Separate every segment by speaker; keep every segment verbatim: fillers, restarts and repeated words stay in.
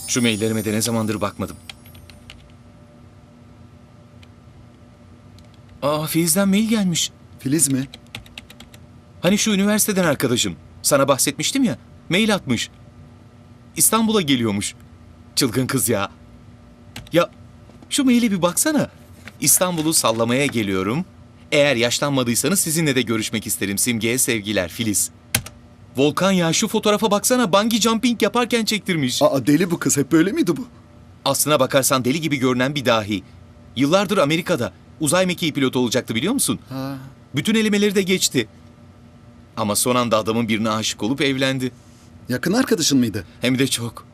Speaker 1: Şu maillerime de ne zamandır bakmadım. Aa, Filiz'den mail gelmiş.
Speaker 2: Filiz mi?
Speaker 1: Hani şu üniversiteden arkadaşım. Sana bahsetmiştim ya. Mail atmış. İstanbul'a geliyormuş. Çılgın kız ya. Ya şu maile bir baksana. İstanbul'u sallamaya geliyorum. Eğer yaşlanmadıysanız sizinle de görüşmek isterim. Simge'ye sevgiler, Filiz. Volkan ya, şu fotoğrafa baksana, bungee jumping yaparken çektirmiş.
Speaker 2: Aa, deli bu kız. Hep böyle miydi bu?
Speaker 1: Aslına bakarsan deli gibi görünen bir dahi. Yıllardır Amerika'da uzay mekiği pilotu olacaktı, biliyor musun?
Speaker 2: Ha.
Speaker 1: Bütün elemeleri de geçti. Ama son anda adamın birine aşık olup evlendi.
Speaker 2: Yakın arkadaşın mıydı?
Speaker 1: Hem de çok.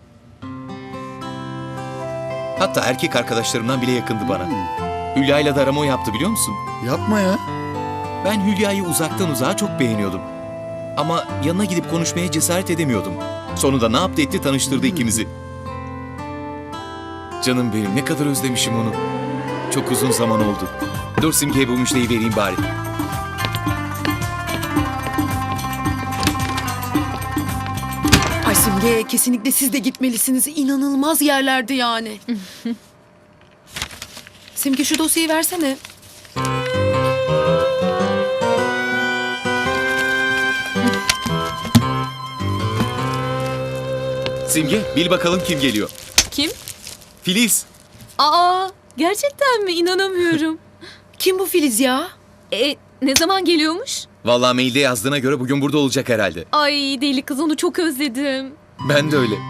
Speaker 1: Hatta erkek arkadaşlarımdan bile yakındı bana. Hülya'yla da arama o yaptı, biliyor musun?
Speaker 2: Yapma ya.
Speaker 1: Ben Hülya'yı uzaktan uzağa çok beğeniyordum. Ama yanına gidip konuşmaya cesaret edemiyordum. Sonunda ne yaptı etti, tanıştırdı ikimizi. Canım benim, ne kadar özlemişim onu. Çok uzun zaman oldu. Dur Simge'ye bu müjdeyi vereyim bari.
Speaker 3: Ay Simge, kesinlikle siz de gitmelisiniz. İnanılmaz yerlerdi yani. Simge, şu dosyayı versene.
Speaker 1: Simge, bil bakalım kim geliyor.
Speaker 4: Kim?
Speaker 1: Filiz.
Speaker 4: Aa, gerçekten mi? İnanamıyorum.
Speaker 3: Kim bu Filiz ya?
Speaker 4: E, ne zaman geliyormuş?
Speaker 1: Vallahi mailde yazdığına göre bugün burada olacak herhalde.
Speaker 4: Ay deli kız, onu çok özledim.
Speaker 1: Ben de öyle.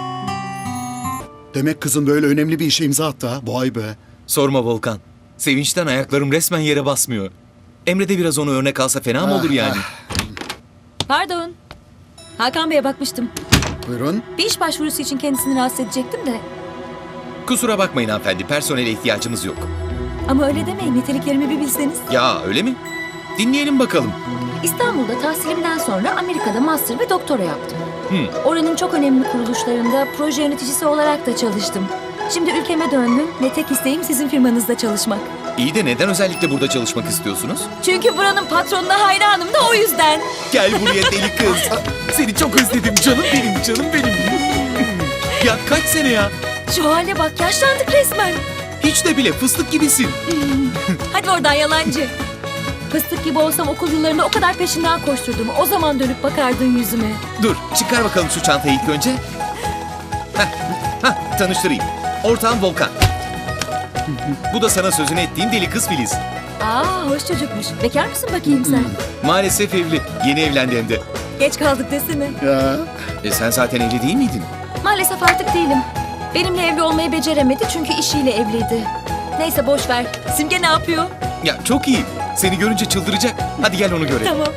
Speaker 2: Demek kızın böyle önemli bir işe imza attı ha. Vay be.
Speaker 1: Sorma Volkan. Sevinçten ayaklarım resmen yere basmıyor. Emre de biraz onu örnek alsa fena mı olur yani?
Speaker 5: Pardon. Hakan Bey'e bakmıştım.
Speaker 2: Buyurun.
Speaker 5: Bir iş başvurusu için kendisini rahatsız edecektim de.
Speaker 1: Kusura bakmayın hanımefendi, personele ihtiyacımız yok.
Speaker 5: Ama öyle demeyin, niteliklerimi bir bilseniz.
Speaker 1: Ya öyle mi? Dinleyelim bakalım.
Speaker 5: İstanbul'da tahsilimden sonra Amerika'da master ve doktora yaptım.
Speaker 1: Hı.
Speaker 5: Oranın çok önemli kuruluşlarında proje yöneticisi olarak da çalıştım. Şimdi ülkeme döndüm ve tek isteğim sizin firmanızda çalışmak.
Speaker 1: İyi de neden özellikle burada çalışmak istiyorsunuz?
Speaker 5: Çünkü buranın patronuna hayranım da o yüzden.
Speaker 1: Gel buraya deli kız. Seni çok özledim canım benim, canım benim. Ya kaç sene ya?
Speaker 5: Şu hale bak, yaşlandık resmen.
Speaker 1: Hiç de bile fıstık gibisin.
Speaker 5: Hadi oradan yalancı. Fıstık gibi olsam okul yıllarında o kadar peşinden koşturdum. O zaman dönüp bakardın yüzüme.
Speaker 1: Dur, çıkar bakalım şu çantayı ilk önce. Heh, heh, tanıştırayım. Ortağım Volkan. Bu da sana sözünü ettiğim deli kız Filiz.
Speaker 5: Aa, hoş çocukmuş. Bekar mısın bakayım sen?
Speaker 1: Maalesef evli. Yeni evlendi hem de.
Speaker 5: Geç kaldık desene.
Speaker 2: Ya.
Speaker 1: E sen zaten evli değil miydin?
Speaker 5: Maalesef artık değilim. Benimle evli olmayı beceremedi çünkü işiyle evliydi. Neyse boş ver. Simge ne yapıyor?
Speaker 1: Ya çok iyi. Seni görünce çıldıracak. Hadi gel onu görelim.
Speaker 5: Tamam.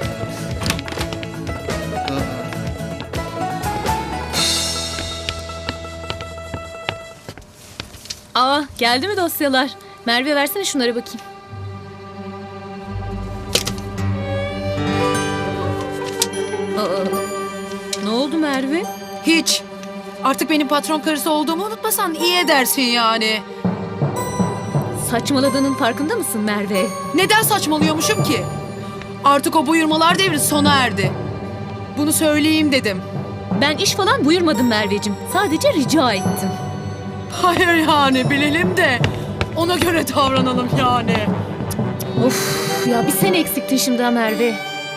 Speaker 4: Aa, geldi mi dosyalar? Merve versene şunlara bakayım. Aa, ne oldu Merve?
Speaker 3: Hiç. Artık benim patron karısı olduğumu unutmasan iyi edersin yani.
Speaker 4: Saçmaladığının farkında mısın Merve?
Speaker 3: Neden saçmalıyormuşum ki? Artık o buyurmalar devri sona erdi. Bunu söyleyeyim dedim.
Speaker 4: Ben iş falan buyurmadım Merveciğim. Sadece rica ettim.
Speaker 3: Hayır yani, bilelim de ona göre davranalım yani.
Speaker 4: Of ya, bir sen eksiktin şimdi ha Merve.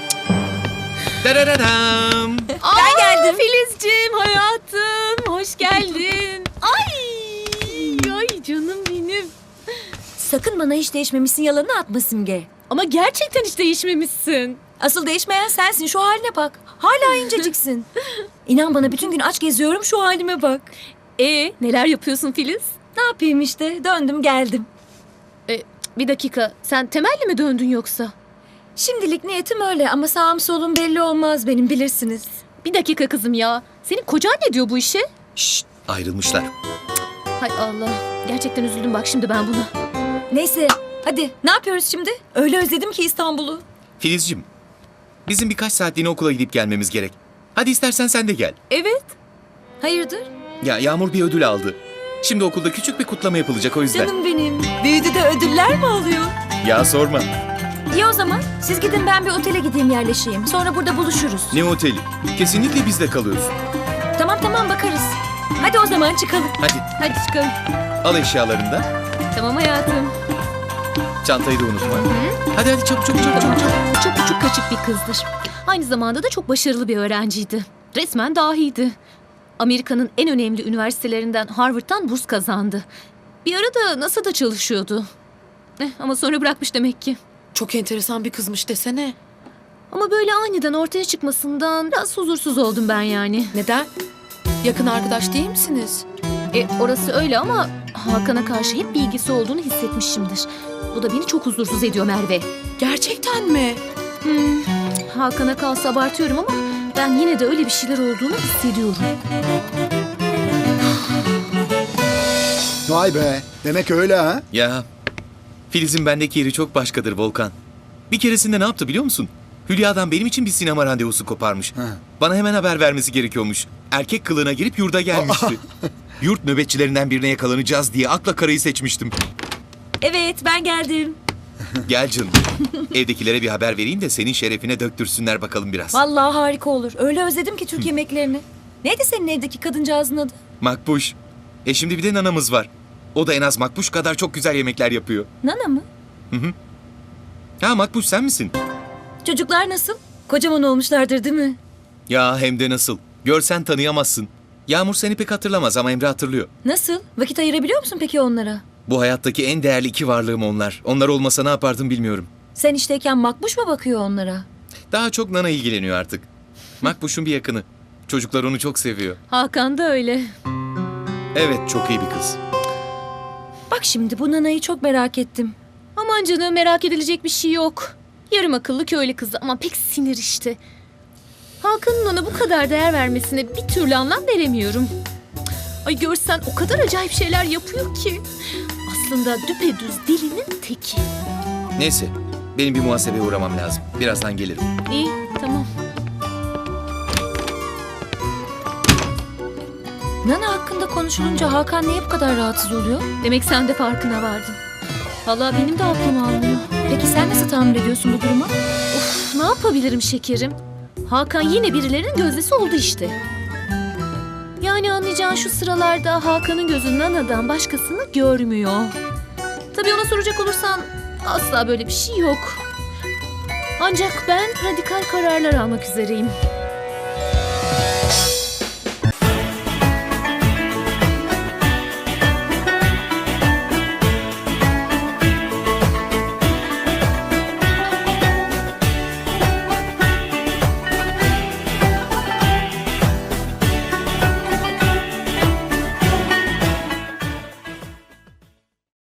Speaker 1: Darararam.
Speaker 4: Ben geldim. Filizciğim, hayatım. Hoş geldin. Ay, ay canım benim.
Speaker 5: Sakın bana hiç değişmemişsin yalanını atma Simge.
Speaker 4: Ama gerçekten hiç değişmemişsin.
Speaker 5: Asıl değişmeyen sensin. Şu haline bak. Hala inceciksin. İnan bana bütün gün aç geziyorum, şu halime bak.
Speaker 4: E neler yapıyorsun Filiz?
Speaker 5: Ne yapayım işte, döndüm geldim.
Speaker 4: E, bir dakika, sen temelli mi döndün yoksa?
Speaker 5: Şimdilik niyetim öyle ama sağım solum belli olmaz benim, bilirsiniz.
Speaker 4: Bir dakika kızım ya. Senin kocan ne diyor bu işe?
Speaker 1: Şşt, ayrılmışlar.
Speaker 4: Hay Allah. Gerçekten üzüldüm bak şimdi ben buna.
Speaker 5: Neyse hadi, ne yapıyoruz şimdi? Öyle özledim ki İstanbul'u.
Speaker 1: Filizciğim, bizim birkaç saatliğine okula gidip gelmemiz gerek. Hadi istersen sen de gel.
Speaker 4: Evet.
Speaker 5: Hayırdır?
Speaker 1: Ya Yağmur bir ödül aldı. Şimdi okulda küçük bir kutlama yapılacak, o yüzden.
Speaker 5: Canım benim. Büyüdü de ödüller mi alıyor?
Speaker 1: Ya sorma.
Speaker 5: İyi o zaman. Siz gidin, ben bir otele gideyim yerleşeyim. Sonra burada buluşuruz.
Speaker 1: Ne oteli? Kesinlikle bizde kalıyorsun.
Speaker 5: Tamam tamam, bakarız. Hadi o zaman çıkalım.
Speaker 1: Hadi
Speaker 4: Hadi çıkalım.
Speaker 1: al eşyalarını da.
Speaker 4: Tamam hayatım.
Speaker 1: Çantayı da unutma. Hadi hadi çabuk çabuk çabuk çabuk. çabuk.
Speaker 4: Çok küçük kaçık bir kızdır. Aynı zamanda da çok başarılı bir öğrenciydi. Resmen dahiydi. Amerika'nın en önemli üniversitelerinden Harvard'dan burs kazandı. Bir ara da NASA'da çalışıyordu. Eh, ama sonra bırakmış demek ki.
Speaker 3: Çok enteresan bir kızmış desene.
Speaker 4: Ama böyle aniden ortaya çıkmasından biraz huzursuz oldum ben yani.
Speaker 3: Neden? Yakın arkadaş değil misiniz?
Speaker 4: E, orası öyle ama Hakan'a karşı hep bir ilgisi olduğunu hissetmişimdir. Bu da beni çok huzursuz ediyor Merve.
Speaker 3: Gerçekten mi?
Speaker 4: Hmm, Hakan'a kalsa abartıyorum ama ben yine de öyle bir şeyler olduğunu hissediyorum.
Speaker 2: Vay be. Demek öyle ha?
Speaker 1: Ya Filiz'in bendeki yeri çok başkadır Volkan. Bir keresinde ne yaptı biliyor musun? Hülya'dan benim için bir sinema randevusu koparmış.
Speaker 2: Ha.
Speaker 1: Bana hemen haber vermesi gerekiyormuş. Erkek kılığına girip yurda gelmişti. Yurt nöbetçilerinden birine yakalanacağız diye akla karayı seçmiştim.
Speaker 5: Evet ben geldim.
Speaker 1: Gel canım. Evdekilere bir haber vereyim de senin şerefine döktürsünler bakalım biraz.
Speaker 5: Vallahi harika olur. Öyle özledim ki Türk yemeklerini. Neydi senin evdeki kadıncağızın adı?
Speaker 1: Makbuş. E şimdi bir de nanamız var. O da en az Makbuş kadar çok güzel yemekler yapıyor.
Speaker 5: Nana mı?
Speaker 1: Ha Makbuş sen misin?
Speaker 5: Çocuklar nasıl? Kocaman olmuşlardır değil mi?
Speaker 1: Ya hem de nasıl. Görsen tanıyamazsın. Yağmur seni pek hatırlamaz ama Emre hatırlıyor.
Speaker 5: Nasıl? Vakit ayırabiliyor musun peki onlara?
Speaker 1: Bu hayattaki en değerli iki varlığım onlar. Onlar olmasa ne yapardım bilmiyorum.
Speaker 5: Sen işteyken Makbuş mu bakıyor onlara?
Speaker 1: Daha çok Nana ilgileniyor artık. Makbuş'un bir yakını. Çocuklar onu çok seviyor.
Speaker 4: Hakan da öyle.
Speaker 1: Evet çok iyi bir kız.
Speaker 5: Bak şimdi bu Nana'yı çok merak ettim.
Speaker 4: Aman canım merak edilecek bir şey yok. Yarım akıllı köylü kızı ama pek sinir işte. Hakan'ın ona bu kadar değer vermesine bir türlü anlam veremiyorum. Ay görsen o kadar acayip şeyler yapıyor ki. Aslında düpedüz delinin teki.
Speaker 1: Neyse benim bir muhasebeye uğramam lazım. Birazdan gelirim.
Speaker 4: İyi tamam.
Speaker 5: Nana hakkında konuşulunca Hakan niye bu kadar rahatsız oluyor?
Speaker 4: Demek sen de farkına vardın. Vallahi benim de aklım almıyor.
Speaker 5: Peki sen nasıl tahammül ediyorsun bu duruma?
Speaker 4: Of, ne yapabilirim şekerim? Hakan yine birilerinin gözdesi oldu işte. Yani anlayacağın şu sıralarda Hakan'ın gözü Nana'dan başkasını görmüyor. Tabii ona soracak olursan asla böyle bir şey yok. Ancak ben radikal kararlar almak üzereyim.